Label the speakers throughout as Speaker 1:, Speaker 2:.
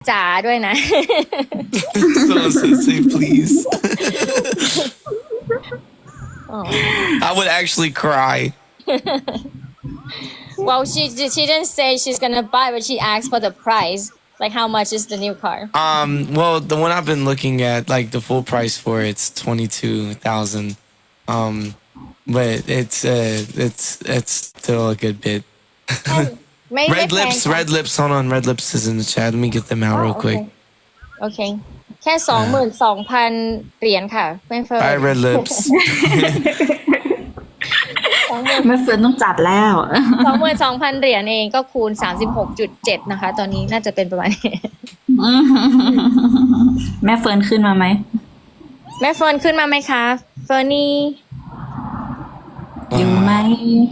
Speaker 1: จ๋าด้วยนะ
Speaker 2: So say please.
Speaker 1: Oh.
Speaker 2: I would actually cry.
Speaker 1: Well, she didn't say she's gonna buy, but she asked for the price. Like, how much is the new car?
Speaker 2: Well, the one I've been looking at, like the full price for it's 22,000. But it's still a good bit.
Speaker 1: ไม่
Speaker 2: Red
Speaker 1: แพง
Speaker 2: lips,
Speaker 1: ค่ะ
Speaker 2: red lips. Hold on, red lips is in the chat. Let me get them out real quick.
Speaker 1: โอเค แค่ 22,000 เหรียญค่ะไม่เฟิร์
Speaker 2: All right, red lips.
Speaker 3: แม่เฟิร์นต้องจัดแล้ว
Speaker 1: 22,000 เหรียญเองก็คูณ 36.7 นะคะ ตอนนี้น่าจะเป็นประมาณนี้
Speaker 3: แม่เฟิร์นขึ้นมาไหม
Speaker 1: แม่เฟิร์นขึ้นมาไหมคะ เฟิร์นนี่
Speaker 3: อยู่ไหม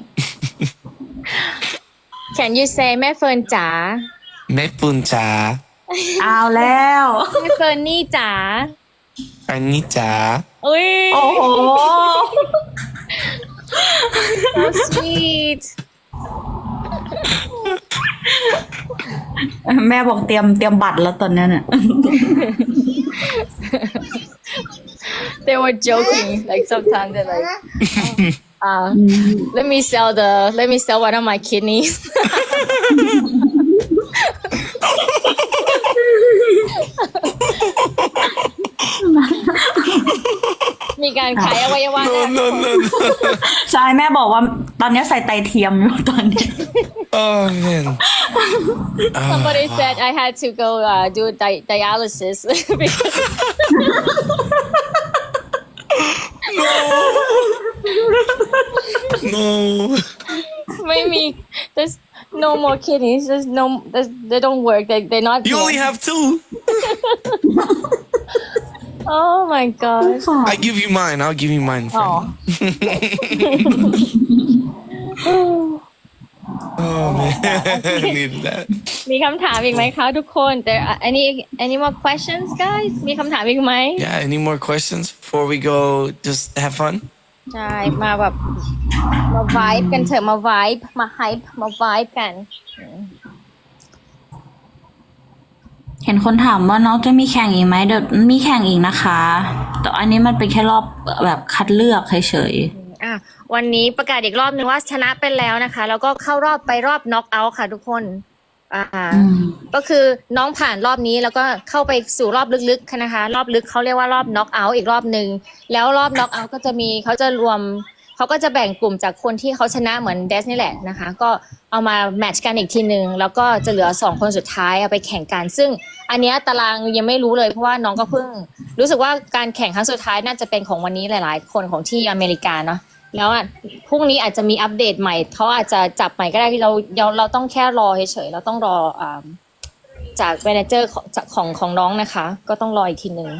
Speaker 1: Can you say แม่เฟิร์นจ๋า
Speaker 2: Mepuncha.
Speaker 3: เอาแล้ว
Speaker 1: แม่เฟิร์นนี่จ๋า
Speaker 2: Anita.
Speaker 1: อุ้ย
Speaker 3: โอ้โห
Speaker 1: so sweet
Speaker 3: แม่บอกเตรียมบัตรแล้วตอนนั้นอ่ะ
Speaker 1: they were joking like sometimes they're like let me sell one of my kidneys มีการขายอวัยวะ
Speaker 2: No.
Speaker 3: ใช่แม่บอกว่าตอนนี้ใส่ไตเทียมอยู่ตอนนี้
Speaker 2: Oh man.
Speaker 1: somebody said I had to go do dialysis because
Speaker 2: No.
Speaker 1: ไม่มี there's no more kidneys they don't work they're not
Speaker 2: You only have two.
Speaker 1: oh my gosh
Speaker 2: I give you mine. I'll give you mine. Friend.
Speaker 1: oh
Speaker 2: Oh man. I needed that.
Speaker 1: มีคำถามอีกไหมคะทุกคน there are any more questions guys มีคำถามอีกไหม
Speaker 2: Yeah. Any more questions before we go? Just have fun.
Speaker 1: ใช่มาแบบมา vibe กันเถอะมา vibe มา hype มา vibe กัน
Speaker 3: เห็นคนถามว่าน้องจะมีแข่งอีกไหมเดี๋ยวมีแข่งอีกนะคะ แต่อันนี้มันเป็นแค่รอบแบบคัดเลือกเฉย
Speaker 1: อ่ะวันนี้ประกาศอีกรอบนึงว่าชนะไปแล้วนะคะ แล้วก็เข้ารอบไปรอบ knock out ค่ะทุกคนก็คือน้องผ่านรอบนี้แล้วก็เข้าไปสู่รอบลึกๆนะคะ รอบลึกเขาเรียกว่ารอบ knock out อีกรอบนึงแล้วรอบ knock out ก็จะมีเขาก็จะแบ่งกลุ่มจากคนที่เขาชนะเหมือนเดสนี่แหละนะคะก็เอามาแมทช์กันอีกทีนึงแล้วก็จะเหลือ2คนสุดท้ายเอาไปแข่งกันซึ่งอันเนี้ยตารางยังไม่รู้เลยเพราะว่าน้องก็เพิ่งรู้สึกว่าการแข่งครั้งสุดท้ายน่าจะเป็นของวันนี้หลายๆคนของที่อเมริกาเนาะแล้วพรุ่งนี้อาจจะมีอัปเดตใหม่เขาอาจจะจับใหม่ก็ได้ที่เราต้องแค่รอเฉยๆเราต้องรอจากแมเนเจอร์ของน้องนะคะก็ต้องรออีกทีนึง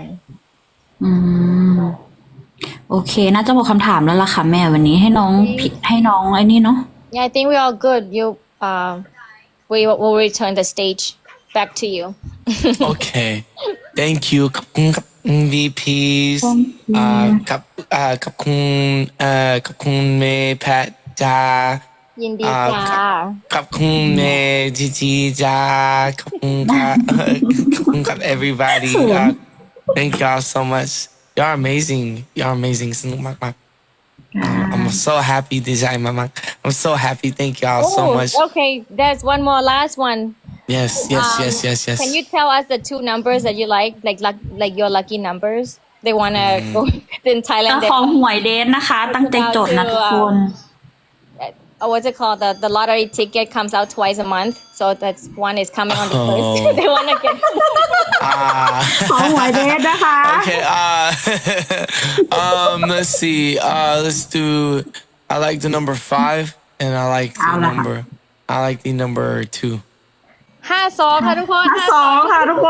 Speaker 3: โอเคน่าจะหมดคำถามแล้วล่ะค่ะแม่วันนี้ให้น้องไอ้นี่เนาะ
Speaker 1: Yeah, I think we're all good. We will return the stage back to you.
Speaker 2: Okay. Thank you. ขอบคุณครับ VPs ขอบคุณเมย์แพทจ้า
Speaker 1: ยินดีจ้า
Speaker 2: ขอบคุณเมย์จีจ้าขอบคุณครับขอบคุณครับ everybody thank y'all so much y'all amazing สนุกมากๆI'm so happy ดีใจมากๆ I'm so happy thank y'all so much
Speaker 1: Okay, there's one more last one.
Speaker 2: yes
Speaker 1: Can you tell us the two numbers that you like your lucky numbers? They wanna go in Thailand.
Speaker 3: ของหวยเดทนะคะ ตั้งใจจดนะทุกคน
Speaker 1: What's it called? The lottery ticket comes out twice a month, so that's one is coming on the first. They wanna get.
Speaker 3: ของหวยเดทนะคะ
Speaker 2: okay let's see let's do I like the number 5 and I like the number 2
Speaker 1: 52 ค่ะทุกคน
Speaker 3: 2ค่ะทุกคน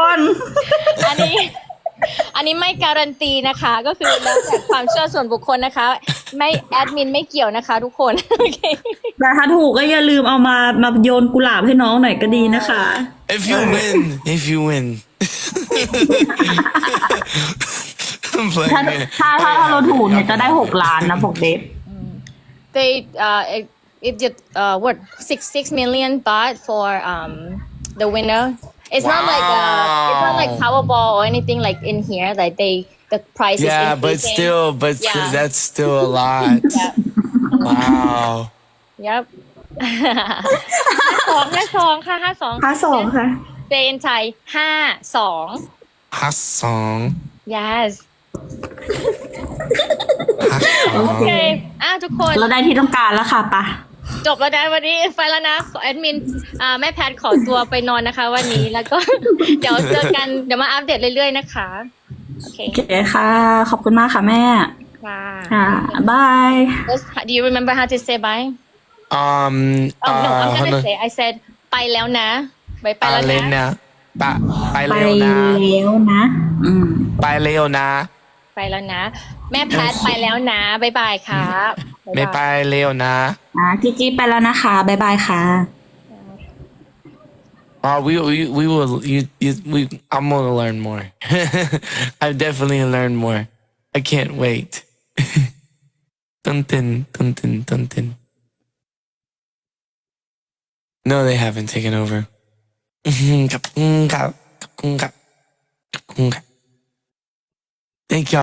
Speaker 1: อันนี้ไม่การันตีนะคะ ก็คือแล้วแต่ความเชื่อส่วนบุคคลนะคะ ไม่แอดมินไม่เกี่ยวนะคะทุกคน โอเค
Speaker 3: แต่ถ้าถูกก็อย่าลืมเอามาโยนกุหลาบให้น้องหน่อยก็ดีนะคะ
Speaker 2: if you win I'm playing
Speaker 3: ถ้าเราถูกเนี่ยจะได้6 ล้านนะบอกเดฟ
Speaker 1: they it did what 6 million baht for the winner It's not like it's not like
Speaker 2: Wow.
Speaker 1: Powerball or anything like in here. Like the price is
Speaker 2: Yeah, but
Speaker 1: increasing.
Speaker 2: still,
Speaker 1: Yeah.
Speaker 2: that's still a lot.
Speaker 1: Yeah.
Speaker 2: Wow.
Speaker 1: Yep. 52ค่ะ52
Speaker 4: 52 ค่ะ
Speaker 1: Say in Thai 52
Speaker 2: Hot song.
Speaker 1: Yes
Speaker 2: Hot
Speaker 1: โอ
Speaker 2: song.
Speaker 1: เคทุกคน
Speaker 3: เราได้ที่ต้องการแล้วค่ะปะ
Speaker 1: จบแล้วนะวันนี้ไปแล้วนะแอดมินแม่แพทขอตัวไปนอนนะคะ วันนี้แล้วก็ เดี๋ยวเจอกันเดี๋ยวมาอัปเดตเรื่อยๆนะคะโอเค
Speaker 3: โอเคค่ะ ขอบคุณมากค่ะแม่
Speaker 1: ค่ะ
Speaker 3: ค่ะบาย
Speaker 1: Do you remember how to say bye Oh no I'm gonna say I said ไปแล้วนะไปแล้วนะ
Speaker 2: Alena. Ba,
Speaker 3: ไป
Speaker 2: Leona.
Speaker 3: แล้วนะ
Speaker 2: Bye, Leona.
Speaker 1: ไปแล้วนะ แม่แพทไปแล้วนะบ๊ายบายครับบ๊ายบาย
Speaker 2: Bye, Leona.
Speaker 3: จีจีไปแล้วนะคะบายบายค่ะ
Speaker 2: Oh, we will. I'm gonna learn more. I definitely learn more. I can't wait. Dun. No, they haven't taken over. Thank y'all.